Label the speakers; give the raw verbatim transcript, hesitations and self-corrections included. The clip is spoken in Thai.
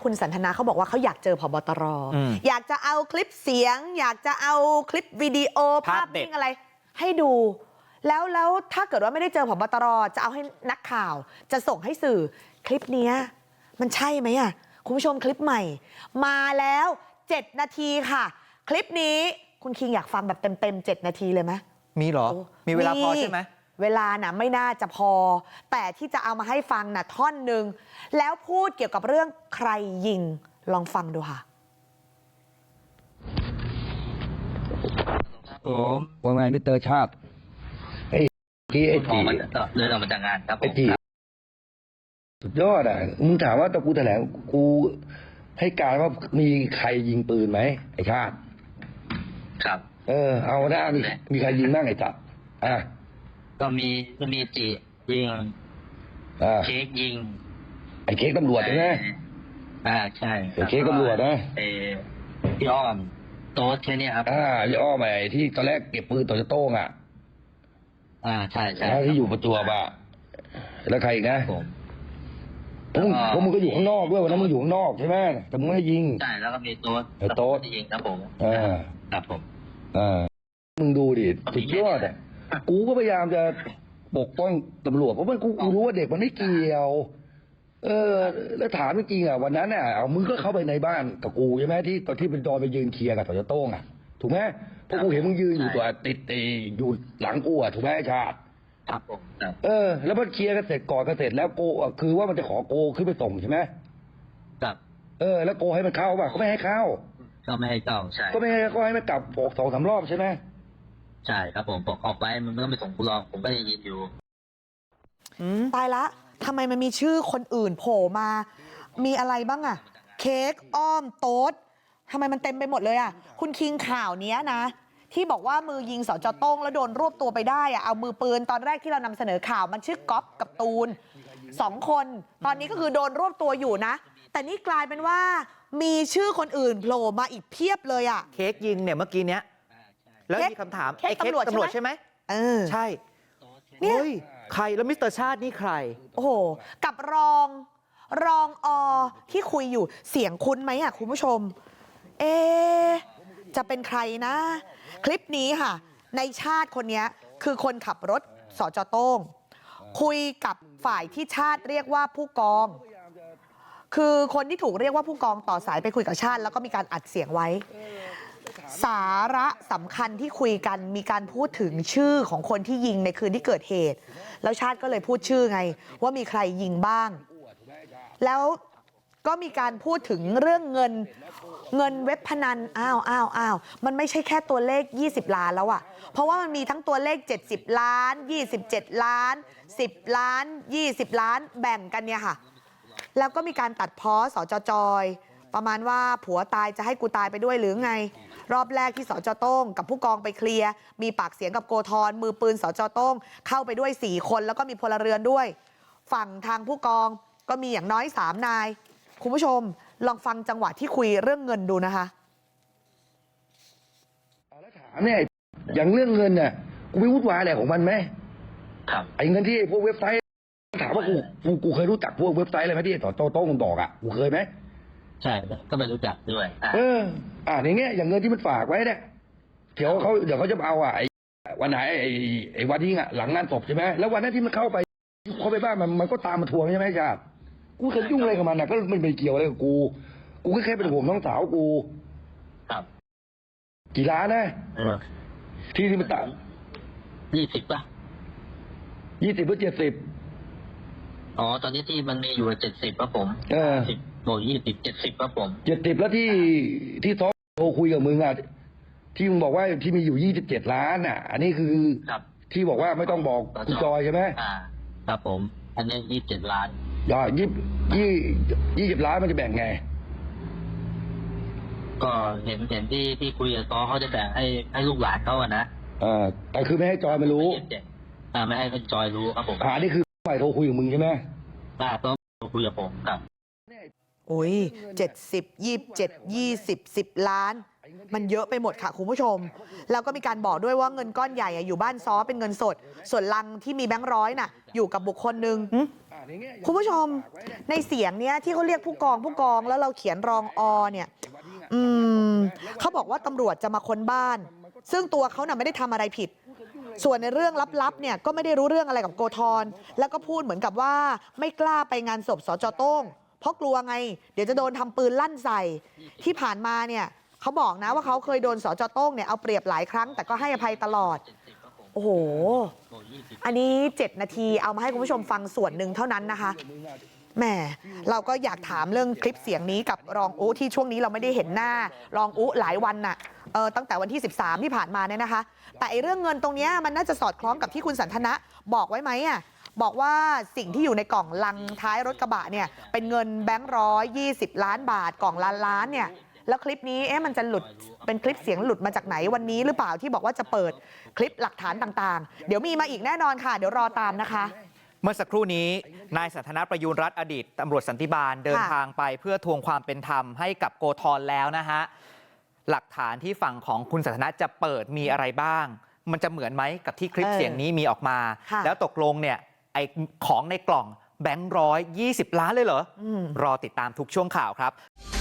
Speaker 1: คุณสันทนาเขาบอกว่าเขาอยากเจอผบตรอยากจะเอาคลิปเสียงอยากจะเอาคลิปวิดีโอภาพนิ่งอะไรให้ดูแล้วแล้วถ้าเกิดว่าไม่ได้เจอผบตรจะเอาให้นักข่าวจะส่งให้สื่อคลิปนี้มันใช่ไหมอ่ะคุณผู้ชมคลิปใหม่มาแล้วเจ็ดนาทีค่ะคลิปนี้คุณคิงอยากฟังแบบเต็มๆเจ็ดนาทีเลยไหมมีเหรอมีเวลาพอใช่ไหมเวลาน่ะไม่น่าจะพอแต่ที่จะเอามาให้ฟังน่ะท่อนหนึ่งแล้วพูดเกี่ยวกับเรื่องใครยิงลองฟังดูค่ะ
Speaker 2: ผมว่าไงมิสเตอร์ชาติไอ้ที่ไอ้ตี
Speaker 3: เดินออกมาจากงานครับ
Speaker 2: ไอ้ตีสุดยอดอ่ะมึงถามว่าตะกูแถลงกูให้การว่ามีใครยิงปืนไหมไอ้ชาติ
Speaker 3: ครับ
Speaker 2: เออเอาหน้ามีมีใครยิงบ้างไอ้จัดอ่ะ
Speaker 3: ก็มีก็มีจียิงเค้กยิง
Speaker 2: ไอ้เค้กตำรวจใช่ไหม
Speaker 3: อ่าใช่
Speaker 2: ไอ้เค้กตำรวจนะ
Speaker 3: เออพี่อ้อมโต๊ดแค่นี้ครับ
Speaker 2: อ่าพี่อ้อมไอ้ที่ตอนแรกเก็บปืนต่อจะโต้งอ่ะ
Speaker 3: อ่าใช่ใช่
Speaker 2: ที่อยู่ประจวบอ่ะแล้วใครอีกนะผมเพราะมึงก็อยู่ข้างนอกด้วยวันนั้นมึงอยู่ข้างนอกใช่ไหมแต่มึงไม่ยิง
Speaker 3: ใช่แล้วก็มีโต๊ด
Speaker 2: ไอ้โต๊ด
Speaker 3: ยิงครับผม
Speaker 2: อ่า
Speaker 3: ครับผม
Speaker 2: อ่ามึงดูดิสุดยอดอ่ะกูก็พยายามจะปกป้องตำรวจเพราะมันกูรู้ว่าเด็กมันไม่เกี่ยวเออแล้วถามจริงๆอ่ะวันนั้นอ่ะเอามึงก็เข้าไปในบ้านกับกูใช่ไหมที่ตอนที่เป็นตอนไปยืนเคลียร์กับต่อจะโต้งอ่ะถูกไหมเพราะกูเห็นมึงยืนอยู่ตัวติดตีอยู่หลังกูอ่ะถูกไหมชาติ
Speaker 3: ครับผม
Speaker 2: เออแล้วมันเคลียร์กันเสร็จก่อนกันเสร็จแล้วโกคือว่ามันจะขอโกขึ้นไปส่งใช่ไหม
Speaker 3: ครับ
Speaker 2: เออแล้วโกให้มันเข้าป่ะเขาไม่ให้เข้า
Speaker 3: ก็ไม่ให้เข้าใช่
Speaker 2: ก็ไม่ให้ก็ให้มันกลับออกสองสามรอบใช่ไหม
Speaker 3: ใช่ครับผมบอกออกไปมันไม่ต้องไปส่งกูรอผมก็ยังยืนอยู่
Speaker 1: ตายละทำไมมันมีชื่อคนอื่นโผล่มามีอะไรบ้างอะเค้กอ้อมโต๊ดทำไมมันเต็มไปหมดเลยอะคุณคิงข่าวนี้นะที่บอกว่ามือยิงสจโต้งแล้วโดนรวบตัวไปได้อะเอามือปืนตอนแรกที่เรานำเสนอข่าวมันชื่อก๊อฟกับตูนสองคนตอนนี้ก็คือโดนรวบตัวอยู่นะแต่นี่กลายเป็นว่ามีชื่อคนอื่นโผล่มาอีกเพียบเลยอะ
Speaker 4: เค้กยิงเนี่ยเมื่อกี้เนี้ยแล้วมีคำถามไอ้เค้กตำรวจใช่ไหม
Speaker 1: เออ
Speaker 4: ใช่เนี่ยใครแล้วมิสเตอร์ชาตินี่ใคร
Speaker 1: โอ้โหกับรองรองอที่คุยอยู่เสียงคุ้นไหมอ่ะคุณผู้ชมเอจะเป็นใครนะคลิปนี้ค่ะในชาติคนนี้คือคนขับรถสจโต้งคุยกับฝ่ายที่ชาติเรียกว่าผู้กองคือคนที่ถูกเรียกว่าผู้กองต่อสายไปคุยกับชาติแล้วก็มีการอัดเสียงไว้สาระสำคัญที่คุยกันมีการพูดถึงชื่อของคนที่ยิงในคืนที่เกิดเหตุแล้วชาติก็เลยพูดชื่อไงว่ามีใครยิงบ้างแล้วก็มีการพูดถึงเรื่องเงินเงินเว็บพนันอ้าวอ้าวอ้าวมันไม่ใช่แค่ตัวเลขยี่สิบล้านแล้วอะเพราะว่ามันมีทั้งตัวเลขเจ็ดสิบล้านยี่สิบเจ็ดล้านสิบล้านยี่สิบล้านแบ่งกันเนี่ยค่ะแล้วก็มีการตัดพ้อสจจอยประมาณว่าผัวตายจะให้กูตายไปด้วยหรือไงรอบแรกที่สจโต้งกับผู้กองไปเคลียร์มีปากเสียงกับโกธรมือปืนสจโต้งเข้าไปด้วยสี่คนแล้วก็มีพลเรือนด้วยฝั่งทางผู้กองก็มีอย่างน้อยสามนายคุณผู้ชมลองฟังจังหวะที่คุยเรื่องเงินดูนะคะ
Speaker 2: แล้วถามเนี่ยอย่างเรื่องเงินน่ะกูไม่วุ่นวายอะไรของมันไหม
Speaker 3: ครับ
Speaker 2: ไอ้เงินที่พวกเว็บไซต์ถามว่ากูกูกูเคยรู้จักพวกเว็บไซต์อะไรไหมที่ต่อโต้งมันบอกอ่ะกูเคยไหม
Speaker 3: ใช่ก็ไม่รู้จักด้วย
Speaker 2: เอออ่าอย่างเงี้ยอย่างเงินที่มันฝากไว้เนี่ยเดี๋ยวเขาเดี๋ยวเขาจะเอาอ่ะไอ้วันไหนไอ้ไอ้วันที่อ่ะหลังงานศพใช่ไหมแล้ววันนั้นที่มันเข้าไปเขาไปบ้านมันมันก็ตามมาทวงใช่ไหมจ๊ะกูเคยยุ่งอะไรกับมันนะก็มันไม่เกี่ยวอะไรกับกูกูแค่เป็นห่วงน้องสาวกู
Speaker 3: ครับ
Speaker 2: กี่ล้านนะที่ที่มันต่าง
Speaker 3: ยี่สิบป่ะ
Speaker 2: ยี่สิบหรือเจ็ดสิบ
Speaker 3: อ๋อตอนนี้ที่มันมีอยู่เจ็ดสิบป่ะผม
Speaker 2: เออ
Speaker 3: สิบโบยี่สิบเจ็ดสิบป่ะผม
Speaker 2: เจ็ดสิบแล้วที่ที่ซอโทรคุยกับมึงอ่ะที่มึงบอกว่าที่มีอยู่ยี่สิบเจ็ดล้านอ่ะอันนี้คือที่บอกว่าไม่ต้องบอกคุณจอยใช่ไหม
Speaker 3: อ่าครับผมอันนี้ยี่สิบเจ็ดล้าน
Speaker 2: ย่ายี่ยี่ยี่สิบล้านมันจะแบ่งไง
Speaker 3: ก็เห็นเห็นที่ที่คุยกับซอเขาจะแบ่งให้ให้ลูกหลานเขาอะนะ
Speaker 2: อ่าแต่คือไม่ให้จอยมารู้
Speaker 3: อ่าไม่ให้จอยรู้ครับผม
Speaker 2: อ่านี่คือฝ่ายโทรคุยกับมึงใช่ไหม
Speaker 3: อ่าต้องโทรคุยกับผมครับ
Speaker 1: โอ้ยเจ็ดสิบยี่สิบเจ็ดยี่สิบสิบล้านมันเยอะไปหมดค่ะคุณผู้ชมแล้วก็มีการบอกด้วยว่าเงินก้อนใหญ่อยู่บ้านซ้อเป็นเงินสดส่วนลังที่มีแบงค์ร้อยน่ะอยู่กับบุคคลหนึ่งคุณผู้ชมในเสียงเนี้ยที่เขาเรียกผู้กองผู้กองแล้วเราเขียนรองอเนี่ยอืมเขาบอกว่าตำรวจจะมาค้นบ้าน ซึ่งตัวเขาน่ะไม่ได้ทำอะไรผิด ส่วนในเรื่องลับๆเนี่ยก็ไม่ได้รู้เรื่องอะไรกับโกธรแล้วก็พูดเหมือนกับว่าไม่กล้าไปงานศพสจโต้งเพราะกลัวไงเดี๋ยวจะโดนทำปืนลั่นใส่ที่ผ่านมาเนี่ยเขาบอกนะว่าเขาเคยโดนสจโต้งเนี่ยเอาเปรียบหลายครั้งแต่ก็ให้อภัยตลอดโอ้โหอันนี้เจ็ดนาทีเอามาให้คุณผู้ชมฟังส่วนหนึ่งเท่านั้นนะคะแหมเราก็อยากถามเรื่องคลิปเสียงนี้กับรองอุ๊ที่ช่วงนี้เราไม่ได้เห็นหน้ารองอุ๊หลายวันน่ะเออตั้งแต่วันที่สิบสามที่ผ่านมาเนี่ยนะคะแต่ไอ้เรื่องเงินตรงนี้มันน่าจะสอดคล้องกับที่คุณสันทนะบอกไว้ไหมอ่ะบอกว่าสิ่งที่อยู่ในกล่องลังท้ายรถกระบะเนี่ยเป็นเงินแบงค์ร้อยยี่สิบล้านบาทกล่องล้านล้านเนี่ยแล้วคลิปนี้เอ๊ะมันจะหลุดเป็นคลิปเสียงหลุดมาจากไหนวันนี้หรือเปล่าที่บอกว่าจะเปิดคลิปหลักฐานต่างๆเดี๋ยวมีมาอีกแน่นอนค่ะเดี๋ยวรอตามนะคะ
Speaker 4: เมื่อสักครู่นี้นายสันทนาประยูรรัตน์อดีตตำรวจสันติบาลเดินทางไปเพื่อทวงความเป็นธรรมให้กับโกธรแล้วนะฮะหลักฐานที่ฝั่งของคุณสันทนาจะเปิดมีอะไรบ้างมันจะเหมือนไหมกับที่คลิปเสียงนี้มีออกมาแล้วตกลงเนี่ยไอ้ของในกล่องแบงค์ร้อยยี่สิบล้านเลยเหรอรอติดตามทุกช่วงข่าวครับ